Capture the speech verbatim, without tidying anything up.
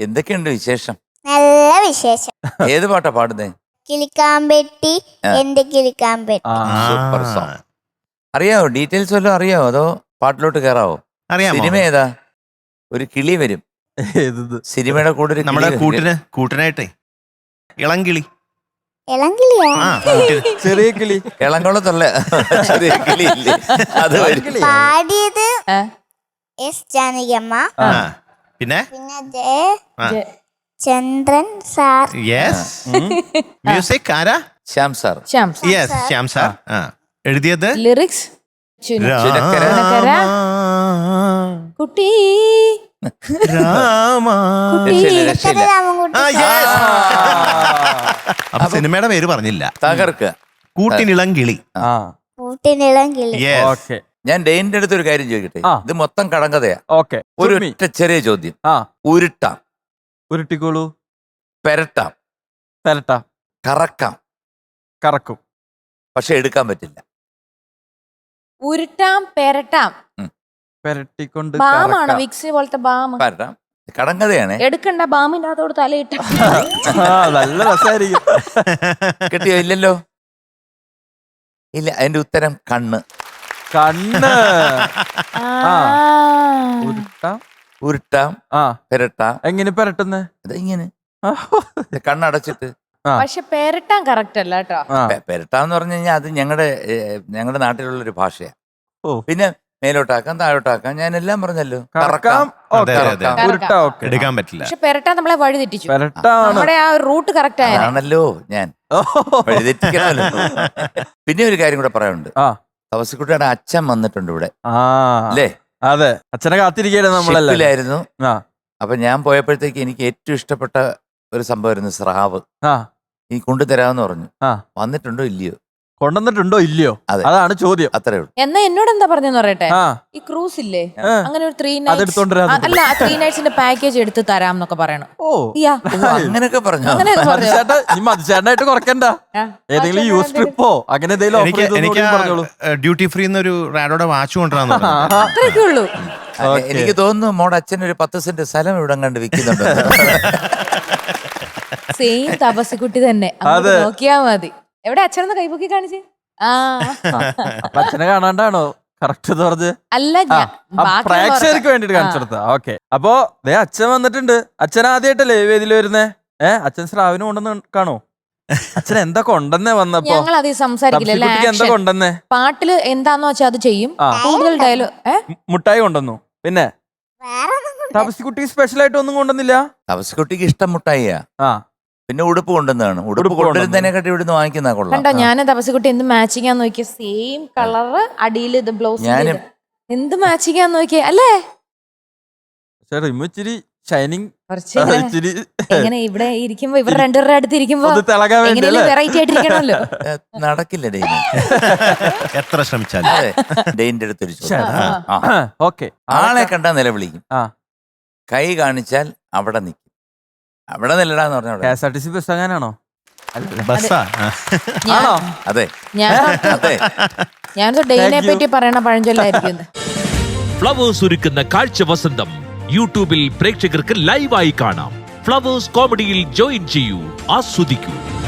എന്തൊക്കെയുണ്ട് വിശേഷം? നല്ല വിശേഷം. ഏത് പാട്ടാ പാടുന്നേ? കിളിക്കാമ്പെട്ടി എന്റെ കിളിക്കാമ്പെട്ടി. Super song. അറിയാവോ? ഡീറ്റെയിൽസ് വല്ലതും അറിയാവോ? അതോ പാട്ടിലോട്ട് കയറാവോ? അറിയാമോ? സിനിമ ഏതാ? ഒരു കിളി വരും സിനിമയുടെ കൂടെ. ഒരു നമ്മുടെ കൂട്ടിന് കൂട്ടിനായിട്ടേ ഇളംകിളി. ഇളങ്കിളിയാ? ചെറിയ കിളി. ഇളങ്കുളത്തുള്ള ചെറിയ കിളി ഇല്ലേ? അത് പാടിയത് എസ് ജാനകിയമ്മ. പിന്നെ പിന്നെ J Chandran sir. Yes. Music ആരാ? Shyam sir. Yes, Shyam sir. എഴുതിയത് ലിറിക്സ് കുട്ടി അപ്പൊ സിനിമയുടെ പേര് പറഞ്ഞില്ല. തകർക്ക. കൂട്ടിനിളംകിളി. കൂട്ടിനിളങ്കിളി. ഞാൻ ഡെയിന്റെ അടുത്ത് ഒരു കാര്യം ചോദിക്കട്ടെ. ഇത് മൊത്തം കടങ്കഥയാ. ഒരു ഒറ്റ ചെറിയ ചോദ്യം. ഉരുട്ടാം, ഉരുട്ടിക്കോളൂ. പെരട്ടാം, പെരട്ടാം, കറക്കാം, കറക്കും, പക്ഷെ എടുക്കാൻ പറ്റില്ല. ഉരുട്ടാം, പെരട്ടാം. പെരട്ടിക്കൊണ്ട് ബാമാണോ? വിക്സ് പോലത്തെ ബാം. പരട്ടാം. കടങ്കഥയാണ്. എടുക്കണ്ട, ബാമിന്റെ അതോട് തലയിട്ട്. നല്ല രസമായിരിക്കും. കിട്ടിയോ? ഇല്ലല്ലോ. ഇല്ല. അതിന്റെ ഉത്തരം കണ്ണ്. കണ്ണ്. ഉരുട്ടാം, ഉരുട്ടാം, പെരട്ടാം. എങ്ങനെ പെരട്ടുന്നേ? ഇങ്ങനെ കണ്ണടച്ചിട്ട്. പക്ഷെ പെരട്ടാൻ കറക്റ്റ് അല്ല കേട്ടോ. പെരട്ടാന്ന് പറഞ്ഞു കഴിഞ്ഞാൽ അത് ഞങ്ങളുടെ ഞങ്ങളുടെ നാട്ടിലുള്ള ഒരു ഭാഷയാ. പിന്നെ മേലോട്ടാക്കാം, താഴോട്ടാക്കാം. ഞാൻ എല്ലാം പറഞ്ഞല്ലോ. കറക്കാം, എടുക്കാൻ പറ്റില്ല. പക്ഷെ പെരട്ടാൻ നമ്മളെ വഴി തെറ്റിച്ചു. നമ്മുടെ ആ റൂട്ട് കറക്റ്റ് ആണല്ലോ. ഞാൻ വഴി തെറ്റിക്കണമല്ലോ. പിന്നെ ഒരു കാര്യം കൂടെ പറയാനുണ്ട്. തപസിക്കുട്ടിയുടെ അച്ഛൻ വന്നിട്ടുണ്ട് ഇവിടെ അല്ലേ? അതെ, അച്ഛനെ കാത്തിരിക്കുകയാണ് നമ്മളെല്ലായിരുന്നു. അപ്പൊ ഞാൻ പോയപ്പോഴത്തേക്ക് എനിക്ക് ഏറ്റവും ഇഷ്ടപ്പെട്ട ഒരു സംഭവമായിരുന്നു സ്രാവ്. ഈ കൊണ്ടുതരാമെന്ന് പറഞ്ഞു. വന്നിട്ടുണ്ടോ ഇല്ലയോ? കൊണ്ടുവന്നിട്ടുണ്ടോ ഇല്ലയോ? അതാണ് ചോദ്യം. അത്രേ ഉള്ളൂ. എന്നാ എന്നോട് എന്താ പറഞ്ഞെന്ന് പറയട്ടെ. ഈ ക്രൂസ് ഇല്ലേ, അങ്ങനെ ഒരു ത്രീ നൈറ്റ്സ് അല്ല ത്രീ നൈറ്റ്സിന്റെ പാക്കേജ് എടുത്ത് തരാം എന്നൊക്കെ പറയണം. ഓ, അങ്ങനെയൊക്കെ പറഞ്ഞു. മതിച്ചേട്ടനായിട്ട് കുറക്കണ്ട. ഏതെങ്കിലും യൂസ് ട്രിപ്പോ അങ്ങനെ എന്തെങ്കിലും ഡ്യൂട്ടി ഫ്രീ എന്നൊരു റാഡോടെ വാച്ച് കൊണ്ടുവരാന്ന്. അത്രയൊക്കെ ഉള്ളൂ. എനിക്ക് തോന്നുന്നു മോടെ അച്ഛൻ ഒരു പത്ത് സെന്റ് സ്ഥലം ഇവിടെ കണ്ട് വിൽക്കുന്നുണ്ട്. സെയിം തപസിക്കുട്ടി തന്നെ. നോക്കിയാ മതി. എവിടെ അച്ഛനൊന്ന് കൈപൊക്കി കാണിച്ചേ? ആ, അച്ഛനെ കാണാണ്ടാണോ കറക്റ്റ് പറഞ്ഞ്? അല്ല, പ്രേക്ഷകർക്ക് വേണ്ടിട്ട് കാണിച്ചെടുത്ത. ഓക്കെ, അപ്പൊ ദേ അച്ഛൻ വന്നിട്ടുണ്ട്. അച്ഛൻ ആദ്യമായിട്ടല്ലേ വേദിയിൽ വരുന്നേ? ഏഹ്, അച്ഛൻ സ്രാവിന് കൊണ്ടെന്ന് കാണോ? അച്ഛൻ എന്താ കൊണ്ടെന്നേ വന്നപ്പോ? ഞങ്ങൾ അത് സംസാരിക്കില്ല. എന്താ കൊണ്ടെന്നേ? പാട്ടില് എന്താന്ന് വെച്ചാൽ അത് ചെയ്യും. കൂടുതൽ ഡയലോഗ്. മുട്ടായി കൊണ്ടുവന്നു. പിന്നെ തപസിക്കുട്ടി സ്പെഷ്യൽ ആയിട്ട് ഒന്നും കൊണ്ടുവന്നില്ല. തപസിക്കുട്ടിക്ക് ഇഷ്ടം മുട്ടായിയാ. ആ, പിന്നെ ഉടുപ്പ് കൊണ്ടുവന്നതാണ്. ഉടുപ്പ് കൊണ്ടുവരുന്നതിനെക്കാട്ടി ഇവിടുന്ന് വാങ്ങിക്കുന്ന കൊള്ളാം. കണ്ടോ, ഞാൻ തപസിക്കുട്ടി എന്ത് മാച്ചിങ് ആന്ന് നോക്കിയ. സെയിം കളറ്, അടിയിൽ ഇത് ബ്ലൗസ്. എന്ത് മാച്ചിങ് ആന്ന് നോക്കിയ അല്ലേ? ഇച്ചിരി ഷൈനിങ് എങ്ങനെ ഇവിടെ ഇരിക്കുമ്പോ ഇവർ രണ്ടുപേരുടെ അടുത്ത് ഇരിക്കുമ്പോ വെറൈറ്റി ആയിട്ടിരിക്കണമല്ലോ. നടക്കില്ല ഡെയിൻ. എത്ര ശ്രമിച്ചാലും ഡെയിന്റെ അടുത്തൊരു ആളെ കണ്ടാ നിലവിളിക്കും. കൈ കാണിച്ചാൽ അവിടെ നിൽക്കും. അവിടെ നില്ലടാന്ന് പറഞ്ഞ K S R T C bus അങ്ങനാണോ? അതെ, ഞാൻ ഡെയിനെ പറ്റി പറയണ പഴഞ്ചൊല്ലായിരിക്കും. ഫ്ലവേഴ്സ് ഒരുക്കുന്ന കാഴ്ച വസന്തം യൂട്യൂബിൽ പ്രേക്ഷകർക്ക് ലൈവായി കാണാം. ഫ്ലവേഴ്സ് കോമഡിയിൽ ജോയിൻ ചെയ്യൂ, ആസ്വദിക്കൂ.